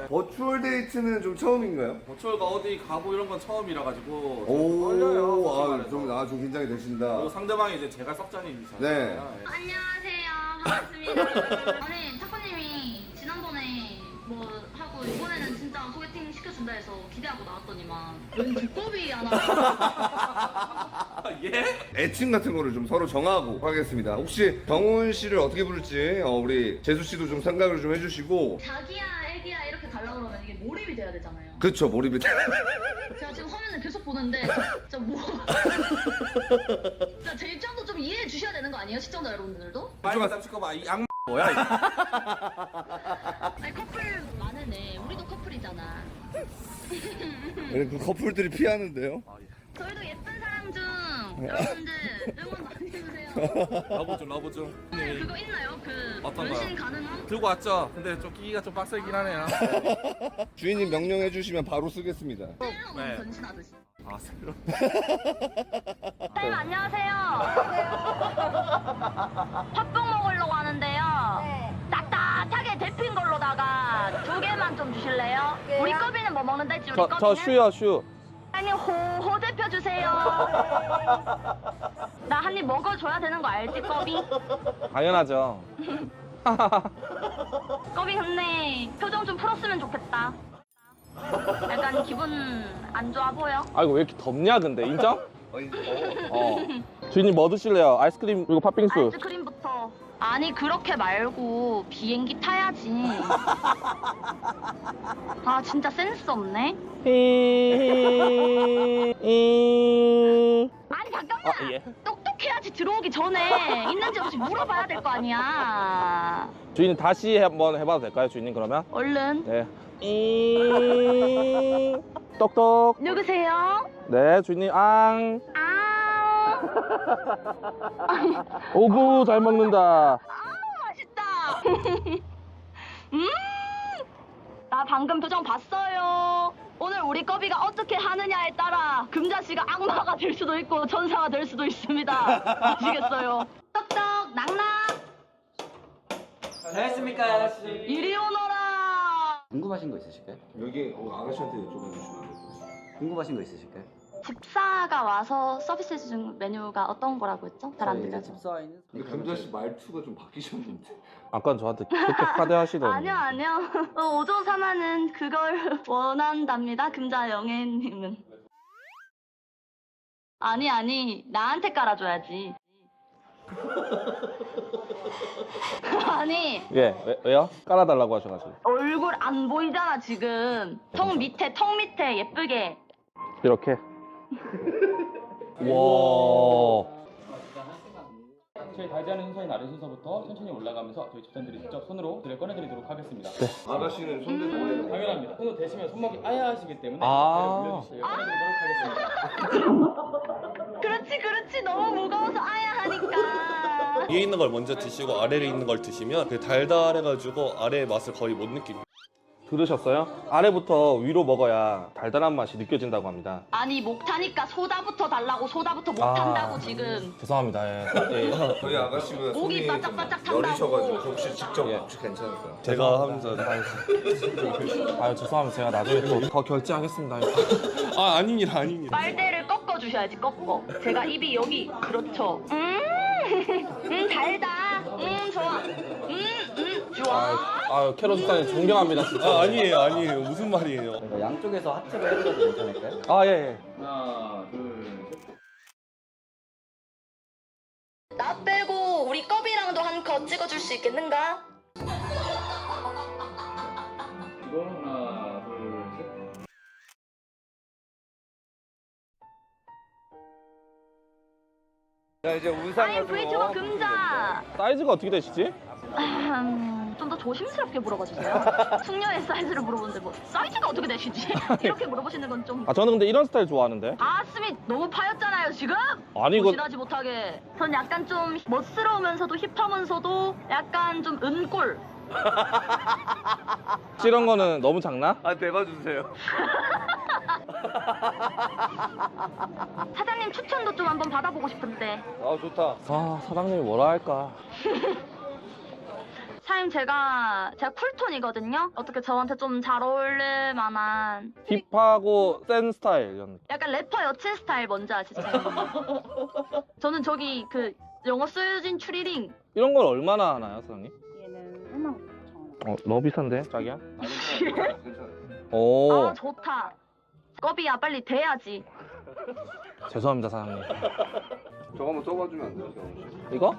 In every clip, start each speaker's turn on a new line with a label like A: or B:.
A: 버추얼 데이트는 좀 처음인가요?
B: 버추얼가 어디 가고 이런 건 처음이라 가지고
A: 오,
B: 떨려요.
A: 좀 긴장이 되신다.
B: 그리고 상대방이 이제 제가 썩자니잖아요.
A: 네.
C: 안녕하세요. 반갑습니다. 아니, 타코님이 지난번에 뭐 하고 이번에는 진짜 소개팅 시켜준다 해서 기대하고 나왔더니만 웬 두꺼비 하나.
B: 예?
A: 애칭 같은 거를 좀 서로 정하고 하겠습니다. 혹시 정훈 씨를 어떻게 부를지 우리 재수 씨도 좀 생각을 좀 해주시고.
C: 자기야, 애기야 이렇게 달라 그러면 이게 몰입이 돼야 되잖아요.
A: 그쵸, 몰입이.
C: 제가 지금 화면을 계속 보는데 진짜 뭐. 진짜 제 입장도 좀 이해해 주셔야 되는 거 아니에요? 시청자 여러분들도?
B: 빨리 잡칠까봐 이 양 뭐야 이거.
C: 아니 커플 많으네. 우리도 커플이잖아.
A: 그 커플들이 피하는데요.
C: 저희도 예쁜 사람 중 여러분들 응원 많이 해주세요.
B: 러브 좀.
C: 네, 그거 있나요? 그
B: 어떤
C: 변신
B: 거요?
C: 가능함?
B: 들고 왔죠. 근데 좀 끼기가 좀 빡세긴 하네요.
A: 주인님 명령해 주시면 바로 쓰겠습니다.
C: 셀러문
B: 네.
C: 변신하듯이.
B: 아 새로.
C: 선생님 안녕하세요. 팥붕 먹으려고 하는데요.
D: 네.
C: 딱딱하게 데핀 걸로다가 2개만 좀 주실래요?
D: 개요?
C: 우리 꺼비는 뭐 먹는다 했지? 우리 꺼비는?
B: 슈.
C: 아니 호호 대표 주세요. 나 한 입 먹어줘야 되는 거 알지 꺼비?
B: 당연하죠.
C: 꺼비 근데 표정 좀 풀었으면 좋겠다. 약간 기분 안 좋아 보여?
E: 아이고 왜 이렇게 덥냐 근데 인정? 주인님 뭐 드실래요? 아이스크림 그리고 팥빙수.
C: 아이스크림부터. 아니 그렇게 말고 비행기 타야지. 아 진짜 센스 없네. 아니 잠깐만.
E: 예.
C: 똑똑해야지 들어오기 전에 있는지 없는지 물어봐야 될 거 아니야.
E: 주인님 다시 한번 해봐도 될까요 주인님 그러면?
C: 얼른.
E: 네. 똑똑.
C: 누구세요?
E: 네 주인님 앙.
C: 아.
E: 오구 잘 먹는다.
C: 맛있다. 나 방금 표정 봤어요. 오늘 우리 꺼비가 어떻게 하느냐에 따라 금자씨가 악마가 될 수도 있고 천사가 될 수도 있습니다. 아시겠어요? 떡떡 낙낙
F: 잘했습니까, 아저씨?
C: 이리 오너라.
F: 궁금하신 거 있으실까요?
A: 여기 아가씨한테 여쭤봐 주시면 돼요.
F: 궁금하신 거 있으실까요?
C: 집사가 와서 서비스 해준 메뉴가 어떤 거라고 했죠? 잘 안
F: 저희 이제
C: 들려서.
F: 집사와있는
A: 근데 금자씨 말투가 좀 바뀌셨는데.
E: 아까 저한테 그렇게 하대하시더니.
C: 아니요. 5조 4만은 그걸 원한답니다. 금자영애님은. 아니 나한테 깔아줘야지. 아니
E: 예 왜요? 깔아달라고 하셔가지고.
C: 얼굴 안 보이잖아 지금. 턱 밑에 예쁘게.
E: 이렇게. 와.
G: 저희 달지하는 순서인 아래 순서부터 천천히 올라가면서 저희 집사님들이 직접 손으로 들을 꺼내드리도록 하겠습니다.
A: 아가씨는 손대고
G: 당연합니다. 손으로 대시면 손목이 아야하시기 때문에
E: 아.
G: 올려주시면 꺼내드리도록 하겠습니다.
C: 그렇지 너무 무거워서 아야 하니까.
H: 위에 있는 걸 먼저 드시고 아래에 있는 걸 드시면 그 달달해가지고 아래의 맛을 거의 못 느낍니다.
E: 들으셨어요? 아래부터 위로 먹어야 달달한 맛이 느껴진다고 합니다.
C: 아니 목 타니까 소다부터 달라고 소다부터 못 탄다고 지금.
E: 죄송합니다. 예.
A: 저희 아가씨가
C: 목이
A: 손이
C: 바짝바짝
A: 좀 여리셔가지고
C: 탄다고.
A: 혹시 직접
E: 예.
A: 혹시 괜찮을까요?
H: 제가 하면서
E: 아유 죄송합니다. 제가 나중에 또 더 결제하겠습니다.
H: 아 아닙니다.
C: 빨대를 꺾어 주셔야지 꺾어. 제가 입이 여기 그렇죠. 달다. 좋아. 좋아.
E: 아유 캐럿 집사님 존경합니다 진짜.
H: 아 아니에요. 무슨 말이에요?
F: 저희가 양쪽에서 하트를 해드려도 괜찮을까요?
E: 아 예.
G: 하나, 둘, 셋.
C: 나 빼고 우리 꺼비랑도 한 컷 찍어줄 수 있겠는가?
G: 이거 하나, 둘, 셋.
A: 자 이제 울산
C: 아이 브이튜버 금자.
E: 사이즈가 어떻게 되시지?
C: 좀 더 조심스럽게 물어봐 주세요. 숙녀의 사이즈를 물어보는데 뭐 사이즈가 어떻게 되시지? 이렇게 물어보시는 건 좀.
E: 아 저는 근데 이런 스타일 좋아하는데.
C: 가슴이 너무 파였잖아요 지금.
E: 아니 이거
C: 보신하지 못하게. 전 약간 좀 멋스러우면서도 힙하면서도 약간 좀 은꼴.
E: 이런 거는 너무 작나?
A: 아 대봐주세요.
C: 사장님 추천도 좀 한번 받아보고 싶은데.
A: 아 좋다.
E: 아 사장님이 뭐라 할까?
C: 사장님 제가 쿨톤이거든요. 어떻게 저한테 좀 잘 어울릴 만한
E: 힙하고 센 스타일 이런 느낌.
C: 약간 래퍼 여친 스타일 뭔지 아시죠? 저는 저기 그 영어 쓰여진 추리링.
E: 이런 걸 얼마나 하나요, 사장님?
D: 얘는 1만 9천 원.
E: 너무 비싼데, 자기야?
A: 괜찮아.
E: 오,
C: 아 좋다. 꺼비야 빨리 돼야지.
E: 죄송합니다, 사장님.
A: 저거 한번 써봐주면 안 돼요? 정훈 씨?
E: 이거?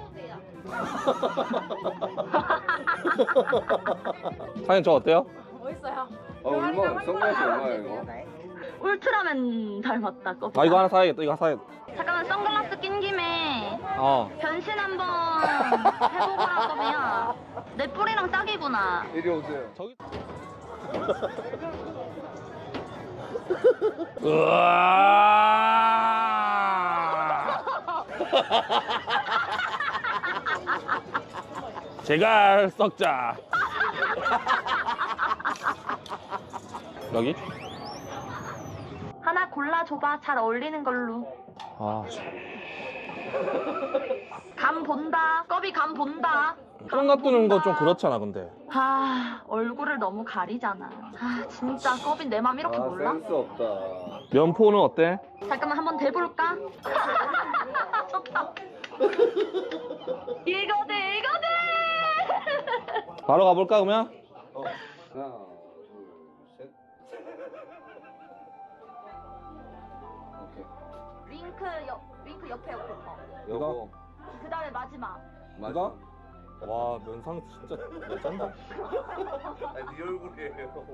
E: 사장님 저 어때요?
D: 멋있어요.
A: 얼마? 선글라스 얼마예요 이거?
C: 울트라맨 닮았다 꺼비.
E: 아 이거 하나 사야겠다. 이거 하나 사야겠다.
C: 잠깐만 선글라스 낀 김에 변신 한번 해보거라 꺼비야. 내 뿌리랑 딱이구나.
A: 이리 오세요.
E: 저기. 제갈 썩자. 여기?
C: 하나 골라줘봐. 잘 어울리는 걸로.
E: 아,
C: 감 본다. 꺼비 감 본다.
E: 똥 놔두는 거 좀 그렇잖아, 근데.
C: 아 얼굴을 너무 가리잖아. 아 진짜 꺼비 내 맘 이렇게 몰라?
A: 센스 없다.
E: 면포는 어때?
C: 잠깐만 한번 대볼까? 좋다. 이거네 이거네.
E: 바로 가볼까, 그러면?
A: 하나, 둘, 셋. 오케이.
C: 윙크 옆에 거.
A: 이거
C: 그 다음에 마지막.
A: 맞아?
E: 와, 면상 진짜 레전드.
A: 아니 네 얼굴이에요.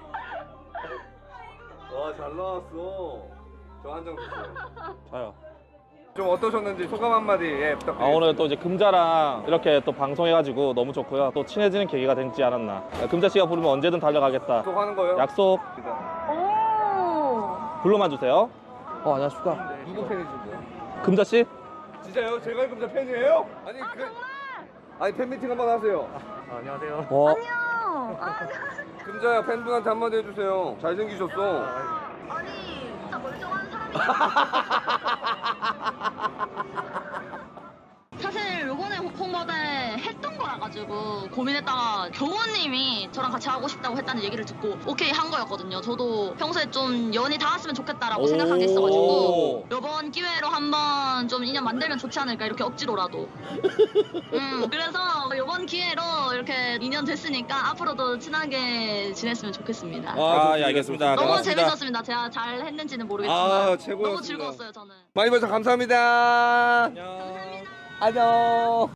A: 와 잘 나왔어. 저 한 장 주세요.
E: 자요.
A: 좀 어떠셨는지 소감 한마디 부탁드립니다.
E: 오늘 또 이제 금자랑 이렇게 또 방송해가지고 너무 좋고요. 또 친해지는 계기가 되지 않았나. 금자 씨가 부르면 언제든 달려가겠다.
A: 약속하는 거예요?
E: 약속.
C: 오.
E: 불러만 주세요. 안녕하십니까.
A: 누구 팬이신데요?
E: 금자 씨?
A: 진짜요? 제가 금자 팬이에요? 아니 팬미팅 한번 하세요.
B: 안녕하세요.
A: 금자야 팬분한테 한마디 해주세요. 잘생기셨어.
C: 아니 진짜 멀쩡한 사람이. 사실 요번에 홍보대 했던 거라가지고 고민했다가 경호님이 저랑 같이 하고 싶다고 했다는 얘기를 듣고 오케이 한 거였거든요. 저도 평소에 좀 연이 닿았으면 좋겠다라고 생각한 게 있어가지고 요번 기회로 한번 좀 인연 만들면 좋지 않을까 이렇게 억지로라도. 그래서 요번 기회로 이렇게 인연 됐으니까 앞으로도 친하게 지냈으면 좋겠습니다.
E: 예, 알겠습니다.
C: 너무
E: 고맙습니다.
C: 재밌었습니다. 제가 잘 했는지는 모르겠지만
A: 아, 최고였습니다.
C: 너무 즐거웠어요 저는.
A: 많이 봐서 감사합니다.
E: 안녕.
A: 안녕.